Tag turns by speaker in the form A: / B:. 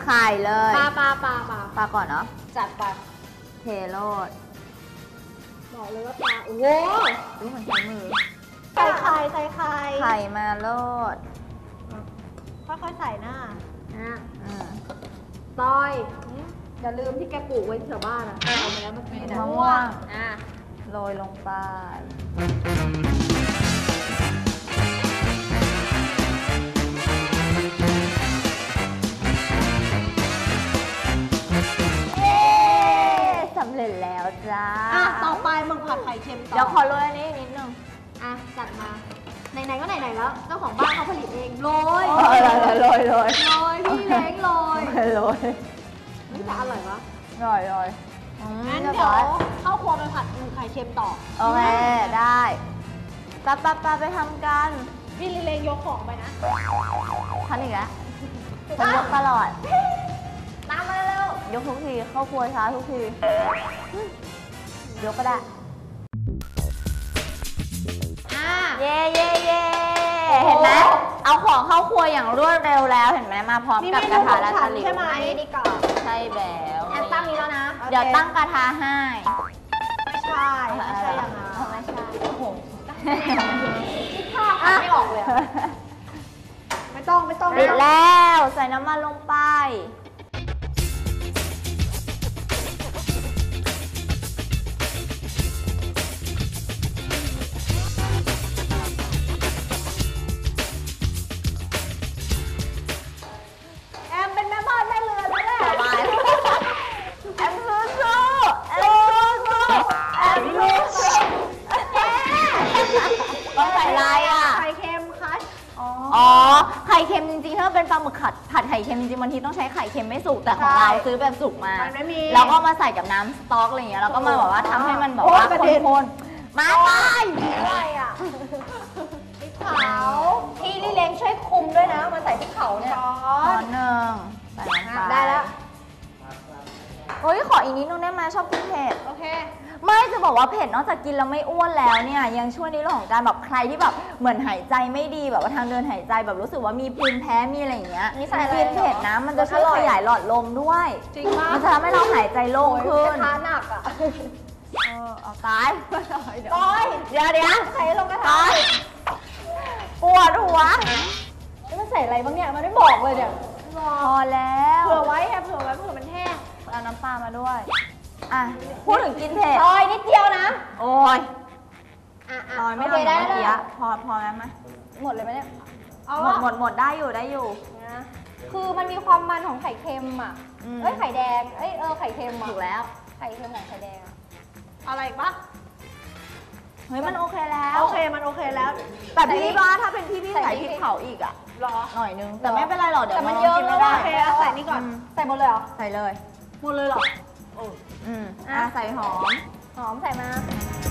A: ไข่เลย
B: ปลา
A: ก่อนเนาะ
B: จัดไป
A: เทโรด
B: บอกเลยว่าปลาโอ้โห
A: ดูเหมือนใช้มือ
B: ใส่ไข่
A: มาโรด
B: ค่อยๆใส่หน้าต้อยอย่าลืมที่แกปลูกไว้แถวบ้านอะเอาไปแล้วเมื่อกี้นะ
A: มะม่วงโรยลงไปสำเร็จแล้วจ้า
B: ต่อไปมึงผัดไข่เค็มต่อ
A: เดี๋ยวขอโรยอันนี้นิดนึง
B: จัดมาไหนๆก็ไหนๆแล้วเจ้าของบ้านเขาผลิตเองโรย
A: โรย
B: พี่เล้งโรยนี่จะอร่อยวะ
A: โรย
B: งั้นเดี๋ยวเข้าครัวไปผัดไข่เค็มต่อ
A: โอเคได้ปะไปทำกัน
B: พี่เล้งยกของไปนะ
A: ทันอีกแล้วฉันยกตลอด
B: ตามมาเร็วย
A: กทุกทีเข้าครัวช้าทุกทียกก็ได้เย่เห็นไหมเอาของเข้าครัวอย่างรวดเร็วแล้วเห็นไหมมาพร้อมกับกระทะและตะหลิว
B: ใช่ไหมดีก่อน
A: ใช่แล้ว
B: ตั้งนี้แล้วนะ
A: เดี๋ยวตั้งกระทะให้
B: ไม่ใช่อย่างนั้น
A: ไม่ใช่โอ้โห
B: คิดภาพไม่ออกเลยไม่ต้อง
A: ปิดแล้วใส่น้ำมันลงไปต้องใส่อะไรอ่ะ
B: ไข่เค็มคัช
A: อ๋อไข่เค็มจริงๆถ้าเป็นปลาหมึกผัดไข่เค็มจริงๆบางทีต้องใช้ไข่เค็มไม่สุกแต่ของเราซื้อแบบสุกมาแล้วก็มาใส่กับน้ำสต๊อกอะไรอย่างเงี้ยแล้วก็มาแบบว่าทำให้มันแบบว่าข้นๆมาไป
B: อะไรอ่ะพริกเผาพี่ลิเลงช่วยคุมด้วยนะมันใส่พริกเผาเนี่ย
A: ช้อนหนึ่งใส่ลงไป
B: ได้แล้ว
A: เฮ้ยขออีกนิดนึงได้ไหมชอบกินเผ็ด
B: โอเค
A: ไม่จะบอกว่าเผ็ดนอกจากกินแล้วไม่อ้วนแล้วเนี่ยยังช่วยในเรื่องของการแบบใครที่แบบเหมือนหายใจไม่ดีแบบว่าทางเดินหายใจแบบรู้สึกว่ามีภูมิแพ้มีอะไรอย่างเงี้ย
B: ใส่
A: กินเผ็ดนะมันจะช่วยขยายหลอดลมด้วย
B: จริงมาก
A: มันจะทำให้เราหายใจโล่งขึ้น
B: กระทะหนักอ่ะ
A: เอาตาย
B: ต้อย
A: เดี๋ยว
B: ใส่ลงกระทะ
A: ปวดหัว
B: มันใส่อะไรบ้างเนี่ยมันไม่บอกเลยเนี่ย
A: พอแล้ว
B: เผื่อไว้เผื่อมันแห้ง
A: เอาน้ำปลามาด้วยพูดถึงกินเผ็ด
B: นิดเดียวนะ
A: โอ้ยไม่เอาได้เมื่อกี้พอแล้วไหม
B: หมดเลยไหมเนี่ย
A: หมดได้อยู่
B: นะคือมันมีความมันของไข่เค็มอ่ะไข่แดงไข่เค็ม
A: ถูกแล้ว
B: ไข่เค็มของไข่แดงอะไรอีกปะ
A: เฮ้ยมันโอเคแล้ว
B: มันโอเคแล้ว
A: แต่พี่ว่าถ้าเป็นพี่ใส่พริกเผาอีกอ่ะหน่อยนึงแต่ไม่เป็นไรหรอกเดี๋ยว
B: มันเยอะแล้วโอเคใส่นี่ก่อนใส่หมดเลยเหรอ
A: ใส่เลย
B: หมดเลยเหรอ
A: ใส่หอม
B: ใส่มา